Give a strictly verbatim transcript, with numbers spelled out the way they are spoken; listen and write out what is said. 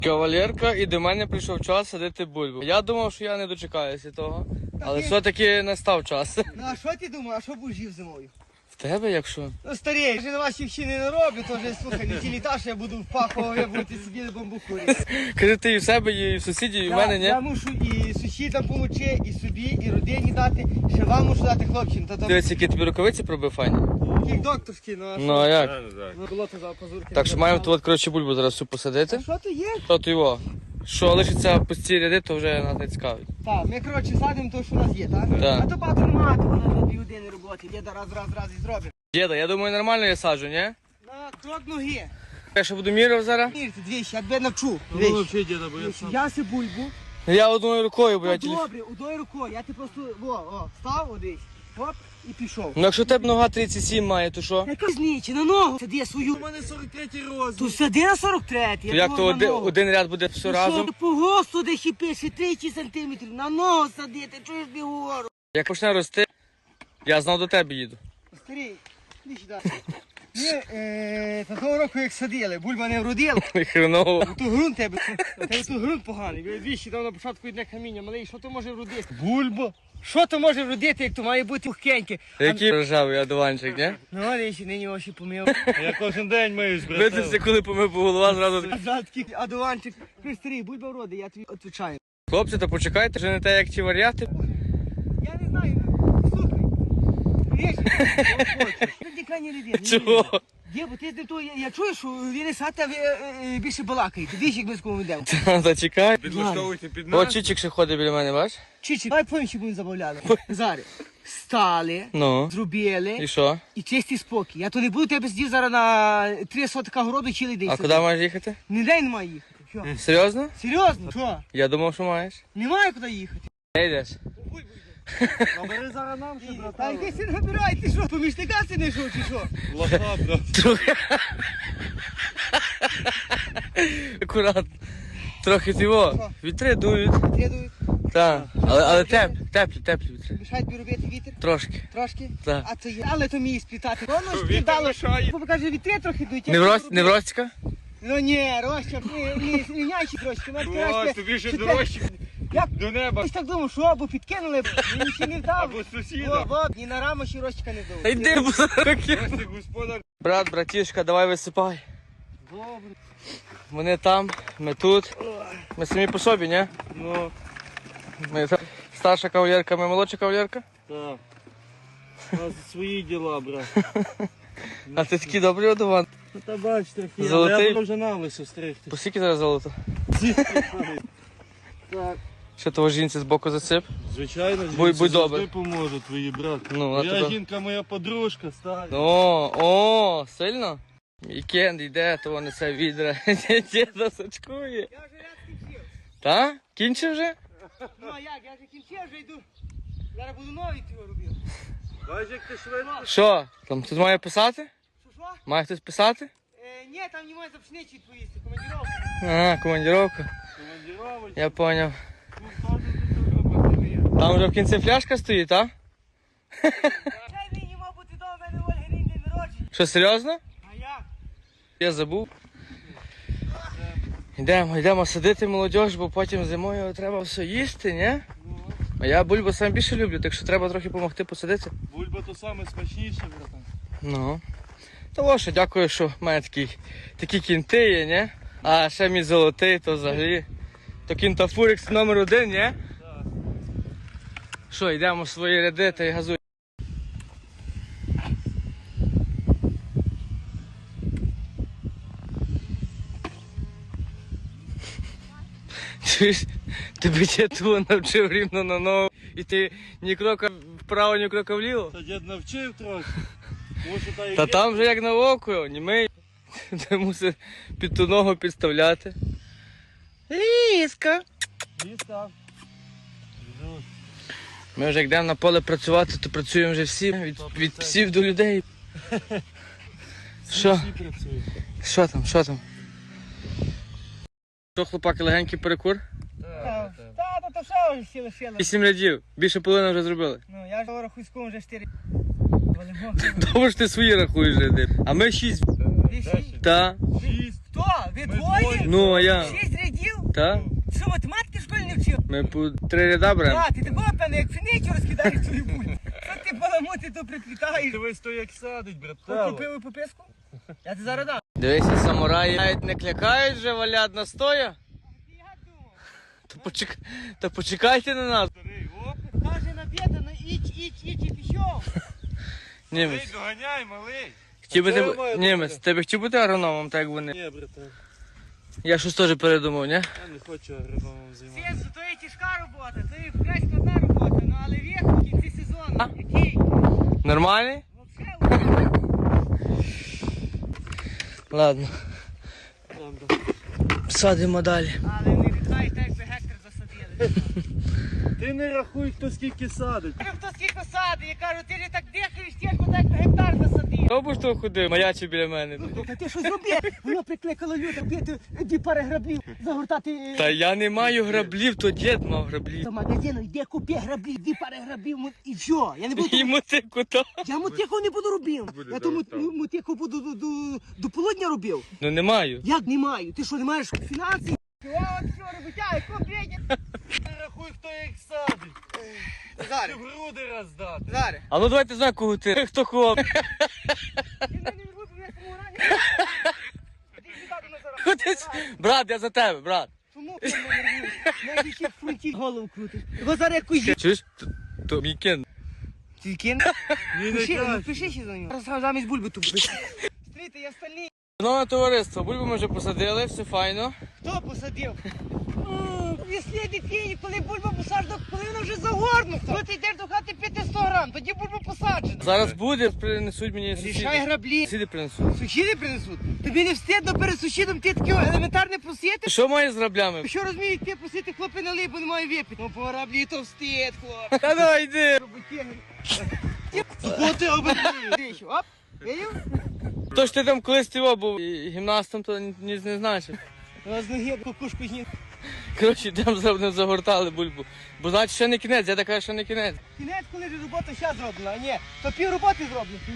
Кавалерка, і до мене прийшов час садити бульбу. Я думав, що я не дочекаюся того, але все-таки настав час. Ну а що ти думав, а що будеш жив зимою? В тебе, якщо? Ну старий, вже на ваші ще не нароблю, то вже слухай, не ті літа, що я буду в пахово, ви будете сидіти бамбуку. Кажи, ти і в себе, і в сусідів, і в Я, мене, ні? я мушу і сусідам помочи, і собі, і родині дати, ще вам мушу дати хлопцям. Та там Дивись, які тобі рукавиці пробив, файні. таких докторські, ну а що? Ну, а як? Ну, було то за позурки. Так що маємо тут, от, коротше, бульбу зараз всю посадити. А що то є? Що то його? Що лишиться пусті ряди, то вже нас не цікавить. Так, ми, коротше, садимо то, що у нас є, так? Так. А то багато немає, то воно на дві години роботи, є раз, раз, раз і зробимо. Діда, я думаю, нормально я саджу, ні? На крок ноги. Я ще буду міряв зараз. Мірте, двічі, я тебе навчу. Ну, Двічі. вообще, деда, бо я сам. Я си бульбу. Я одною рукою, бо я Ну, тілі... добре, одною рукою, я ти просто, о, о, став одесь, оп, і пішов. Ну, якщо в тебе нога тридцять сім має, то що? Яка знічі, на ногу сади свою. У мене сорок третій розмір. То сади на сорок третій. То як то один, один ряд буде все разом? По госту де ще пише тридцять сантиметрів, на ногу садити, чуєш не говорю. Як почне рости, я знов до тебе їду. Старий, іди сюди. Ми, е, та того року як садили, бульба не вродила. Хреново. То ґрунт тебе, тебе то ґрунт поганий. Ви двічі там на початку йде каміння, малий, що то може вродити? Бульба. Що то може вродити, як то має бути пухкеньке? Який рожавий одуванчик, ні? Ну, але ще нині очі помив. Я кожен день миюсь, Видився, брат. коли помив по голова, зразу. А зараз такий адуванчик. Ти старий, будь вроди, я тобі відповідаю. Хлопці, то почекайте, вже не те, як ті варіати. Я не знаю, слухай. Річ, ти діка не ліди. Чого? Є, бо ти з ним то, я, я чую, що він не сата, ви е, е, більше балакаєте. Двічі, як ми з кому йдемо. Та чекай. Підлаштовуйте під О, нас. Чичик ще ходить біля мене, бач? Чичі, давай помім, що будемо забавляли. Зараз. Стали, Ну. І зробили що? і чистий спокій. Я то не буду тебе сидів зараз на три сотика городу цілий день. А сидіти. куди маєш їхати? Ніде не має їхати. Що? Серйозно? Серйозно? Що? Я думав, що маєш. Немає куди їхати. Не йдеш. Набери зараз нам, що, Та братан. йди си набирай, ти що, помічника си не йшов чи що? Лоха, брат. Трохи. Акуратно. Трохи цього. Вітри дують. Трідують, Так. Але, але теплі, теплі, теплі вітри. мішають тобі робити вітер. Трошки. Трошки? Так. А то є. Але то мій сплітати. Воно ж Вітер спітало. мішає. Бо каже, вітри трохи дують. Не в рост, не в Ростіка? Ну ні, Роща, ні, рівняйші трошки. Ось, тобі ще дорожче Як? до неба. Я ж так думав, що або підкинули, мені ще не вдав. Або сусіда. Во, во, ні на раму ще Рощика не Та вдав. йди, бо руки. Ось ти господар. Брат, братішка, давай висипай. Добре. Вони там, ми тут. Ми самі по собі, ні? Ну, Ми та- старша кавалерка, ми молодша кавалерка. так. У нас свої діла, брат. А ти такий добрий одуван. Ну та бач, трохи. Золотий. Але я буду вже на лису стригти. По скільки зараз золото? Так. Що того жінці з боку засип? Звичайно, Будь- жінці будь завжди добрий. поможу, твої брат. Ну, а Моя тебе? жінка, моя подружка, стара. О, о, сильно? Вікенд йде, то вони це відра. Діда сачкує. Я вже ряд кінчив. Та? Кінчив вже? Ну а як, я вже кінчив, вже йду. Зараз буду новий цього робив. Бач, як ти швидко. Що? Там тут має писати? Що, що? Має хтось писати? Е, ні, там немає за пшениці відповісти, командировка. Ага, командировка. Командировочка. Я поняв. Тут теж тут робити. Там вже в кінці фляжка стоїть, а? Цей нині мав бути до мене Ольги Рін день народження. Що, серйозно? А як? Я забув. Йдемо, йдемо садити молодь, бо потім зимою треба все їсти, ні? А я бульбу сам більше люблю, так що треба трохи допомогти посадити. Бульба то саме смачніше, братан. Ну. Того, що дякую, що в мене такі, такі кінти є, ні? А ще мій золотий, то взагалі. То кінтафурикс номер один, ні? Так. Що, йдемо в свої ряди та й газуємо. Чуєш, тебе дядько навчив рівно на ногу, і ти ні крока вправо, ні крока вліво. Та дід навчив трохи. Може, та і Та є. там вже як на око, німей. Ти мусиш під ту ногу підставляти. Ліска. Дістав. Жут. Ми вже як йдемо на поле працювати, то працюємо вже всі, від, від псів до людей. Що? Всі працюють. Що там, що там? Що, хлопаки, легенький перекур? Та, та, то що всі лишили. Вісім рядів, більше половини вже зробили. Ну, я ж рахую з кому вже чотири. Добре ж ти свої рахуєш ряди. А ми шість. Вісім. Та. Шість. Хто? Ви Ми двоє? двоє. Ну, а я. Шість рядів. Та? Що, математики в школі не вчив? Ми по три ряда беремо. А, ти такого, певно, як пшеницю розкидаєш твою бульбу. Що ти баламоти то приплітаєш? Дивись, то як садить, Ти брателло. купив пописку? Я ти зараз дам. Дивися, самураї навіть не клякають вже, валять на стоя. Ти як думав? То, почек... То почекайте на нас. Старий, оп. Каже на бєда, ну іч, іч, іч і пішов. Малий, Німець. доганяй, малий. Хотів би А це ти... має Німець, бути. ти би хотів бути агрономом, так як вони. Ні, брате, Я щось теж передумав, ні? я не хочу агрономом займатися. Сенсу, то є тяжка робота, то є вкрай складна робота, ну але вік в кінці сезону. А? Який? Нормальний? Вообще, Ладно, Добре. садимо далі. але не вітаєш так, якби гектар засадили. Ти не рахуй, хто скільки садить. Кажу, хто скільки садить, я кажу, ти ж так дихаєш тяжко, так якби гектар засадив. Хто б що ходив, маячив біля мене. Та ти що зробив? Воно прикликало люди, бити дві пари граблів, загортати. Та я не маю граблів, то дід мав граблі. До магазину йде, купи граблів, дві пари граблів му- і все. Я не буду. І мотику то. Я мотику не буду робив. Я то мут- му- мотику буду до, до, до полудня робив. Ну не маю. Як не маю? Ти що, не маєш фінансів? О, от що робити, купи. Не рахуй, хто як садить. Ти Зараз, груди роздати. зараз. А ну давайте знаю, кого ти. Хто кого. Я не люблю, я саму рані. Іди сюди до нас зараз. Ходить. Брат, я за тебе, брат. Чому ти мене нервуєш? Навіть ще в фронті голову крутиш. Його зараз якусь жі... Чуєш? То, то мій кін. Ти кин? Він Пиши, не ну, пиши ще за нього. Зараз замість бульби тут. Стрійте, я стальний. Шановне товариство, бульбу ми вже посадили, все файно. Хто посадив? Веслі дитині, коли бульба посаджена, коли вона вже загорнута. Коли ти йдеш до хати п'яти сто грам, тоді бульба посаджена. Зараз буде, принесуть мені Рішай сусіди. граблі. Сусіди принесуть. Сусіди принесуть. Тобі не встидно перед сусідом ти таке елементарне просити? Що має з граблями? Що розумієш, ти просити хлопи налий, бо немає випити. Ну по граблі то встид, хлоп. Та ну йди. Бо ти обидві. Оп, видів? То ж ти там колись ти був і гімнастом, то ні, ні не знаєш. Ну, з ноги кукушку зні. Коротше, йдемо зробимо, загортали бульбу. Бо значить ще не кінець, я така ще не кінець. Кінець, коли ж робота ще зроблена, а ні, то пів роботи зроблено.